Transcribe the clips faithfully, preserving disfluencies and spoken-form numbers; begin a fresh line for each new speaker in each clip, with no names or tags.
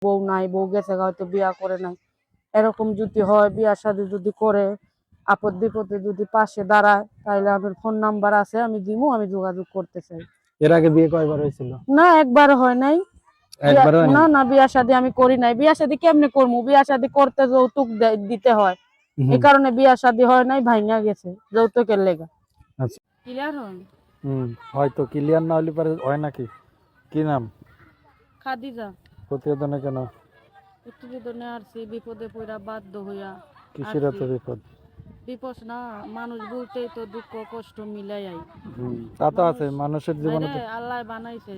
বউ নাই, বউ গেছে হয়তো বিয়া করে নাই, এরকম যদি হয়, বিয়া শাদী যদি করে, আপদ বিপদে যদি পাশে দাঁড়ায়, তাহলে আমার ফোন নাম্বার আছে, আমি দিমু, আমি যোগাযোগ করতে চাই।
এর আগে বিয়ে কয়বার হয়েছিল?
না, একবার হয় নাই।
একবার হয়
না
নাই?
না, বিয়া শাদী আমি করি নাই। বিয়া শাদী কেমনে করবো? বিয়া শাদী করতে যৌতুক দিতে হয়, এই কারণে বিয়া শাদী হয় নাই, ভাঙা গেছে যৌতুকের লেগা।
আচ্ছা,
ক্লিয়ার হয়?
হুম, হয়তো ক্লিয়ার না হলে পারে হয় নাকি? কি নাম?
খাদিজা।
প্রতিবেদনে কেন?
প্রতিবেদনে আসছি বিপদে পড়া বাধ্য হইয়া।
কিসের এত বিপদ?
বিপদ না, মানুষ বলতেই তো দুঃখ কষ্ট মিলাই আই।
হুম, তা তো আছে মানুষের জীবনে তো।
আল্লাহ বানাইছে,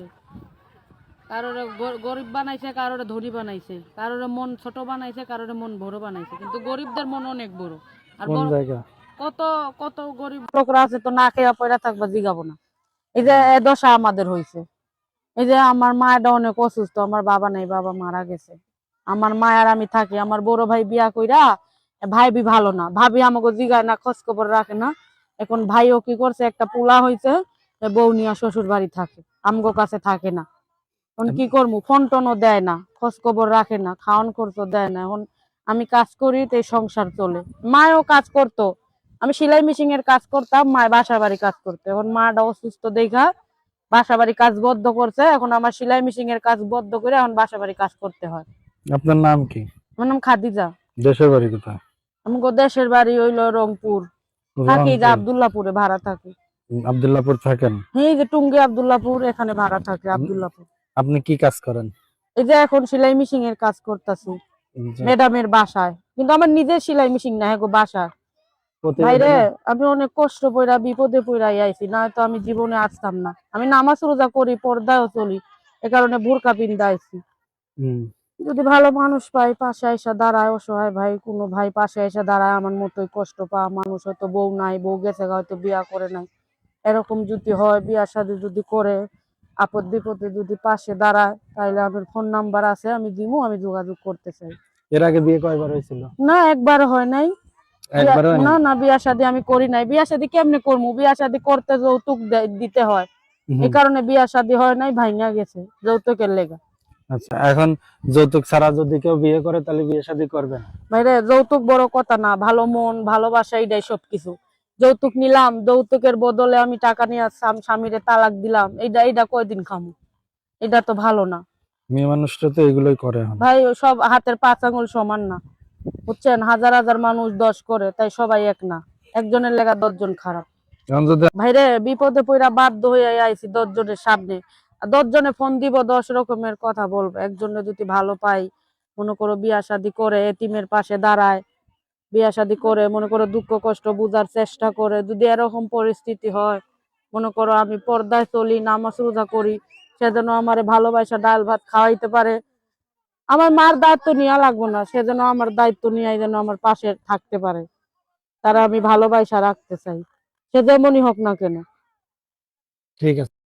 কারোর গরিব বানাইছে, কারোর ধনী বানাইছে, কারোর মন ছোট বানাইছে, কারোর মন বড় বানাইছে, কিন্তু গরিবদের মন অনেক বড়। আর
কোন জায়গা?
কত কত গরিব লোকরা আছে তো না খেয়া পয়রা থাকবা, জিগাবো না। এই যে এ দশা আমাদের হয়েছে। এই যে আমার মায়েরা অনেক অসুস্থ, আমার বাবা নাই, বাবা মারা গেছে। আমার মায়ের আমি থাকি, আমার বড় ভাই বিয়া কইরা, ভাই বি ভালো না, ভাবি আমাকে জিগায় না, খোঁজ খবর রাখে না। এখন ভাইও কি করছে, একটা পোলা হয়েছে, বউ নিয়ে শ্বশুর বাড়ি থাকে, আমগো কাছে থাকে না। এখন কি করবো, ফোন টোনও দেয় না, খোঁজ খবর রাখে না, খাওয়ান খরচও দেয় না। এখন আমি কাজ করি, তো সংসার চলে। মায়ও কাজ করতো, আমি সেলাই মেশিন এর কাজ করতাম, মায় বাসা বাড়ি কাজ করতো। এখন মাটা অসুস্থ দেখা বাসা বাড়ি কাজ বদ্ধ করছে, এখন আমার সেলাই মেশিন এর কাজ বদ্ধ করে এখন বাসা বাড়ি কাজ করতে হয়।
আপনার নাম কি?
আমার নাম খাদিজা।
দেশের বাড়ি কোথায়?
আমাকে দেশের বাড়ি হইলো রংপুর, থাকি যে আব্দুল্লাহপুরে ভাড়া থাকি।
আব্দুল্লাহপুর থাকেন?
এই যে টুঙ্গি আব্দুল্লাহপুর, এখানে ভাড়া থাকে আব্দুল্লাহপুর।
আপনি কি কাজ করেন?
এই যে এখন সেলাই মেশিন এর কাজ করতেছি ম্যাডামের বাসায়, কিন্তু আমার নিজের সেলাই মেশিন না, হ্যাঁ বাসা। ভাইরে, আমি অনেক কষ্ট পইরা বিপদে পইরাই আইছি, না তো আমি জীবনে আসতাম না। আমি নামাজ রোজা করি, পর্দায়ও চলি, এ কারণে বোরকা পিন্দা আইছি। যদি ভালো মানুষ পাই পাশে এসে দাঁড়ায়, অসহায় ভাই কোনো ভাই পাশে এসে দাঁড়ায়, আমার মতোই কষ্ট পাওয়া মানুষ, হয়তো বউ নাই, বউ গেছে হয়তো বিয়া করে নাই, এরকম যদি হয়, বিয়া শাদী যদি করে, আপদ বিপদে যদি পাশে দাঁড়ায়, তাহলে আমার ফোন নাম্বার আছে, আমি দিমু, আমি যোগাযোগ করতে চাই।
এর আগে বিয়ে কয়বার হয়েছিল?
না, একবার হয় নাই। না না, বিয়া শাদী আমি করি নাই। বিয়া শাদী কেমনে করবো? বিয়া শাদী করতে যৌতুক দিতে হয়, এই কারণে বিয়া শাদী হয় নাই, ভাঙা গেছে যৌতুকের লেগা।
আচ্ছা, এখন যৌতুক ছাড়া যদি কেউ বিয়ে করে তাহলে বিয়ে শাদী করবেন?
ভাইরে, যৌতুক বড় কথা না, ভালো মন ভালোবাসা, এটাই সবকিছু। যৌতুক নিলাম, যৌতুকের বদলে আমি টাকা নিয়ে স্বামীরে তালাক দিলাম, এইটা এইটা কয়দিন খামু? এটা তো ভালো না।
মেয়ে মানুষটা তো এগুলোই করে।
ভাই, সব হাতের পাঁচ আঙুল সমান না, বুঝছেন? হাজার হাজার মানুষ দশ করে, তাই সবাই এক না, একজনের লেগা দশজন খারাপ। ভাইরে, বিপদে পড়া বাধ্য হয়ে আইছি দশ জনের সামনে, দশ জনে ফোন দিব, দশ রকমের কথা বলবো। একজনে যদি ভালো পাই, মনে করো বিয়া শাদী করে, এতিমের পাশে দাঁড়ায়, বিয়া শাদী করে মনে করো দুঃখ কষ্ট বুঝার চেষ্টা করে, যদি এরকম পরিস্থিতি হয়, মনে করো আমি পর্দায় চলি, নামাজ রোজা করি, সেজন্য আমার ভালোবাসা ডাল ভাত খাওয়াইতে পারে, আমার মার দায়িত্ব নেওয়া লাগবো না, সেজন্য আমার দায়িত্ব নিয়ে যেন আমার পাশে থাকতে পারে, তারা আমি ভালোবাসা রাখতে চাই, সে যেমনই হোক না কেন।
ঠিক আছে।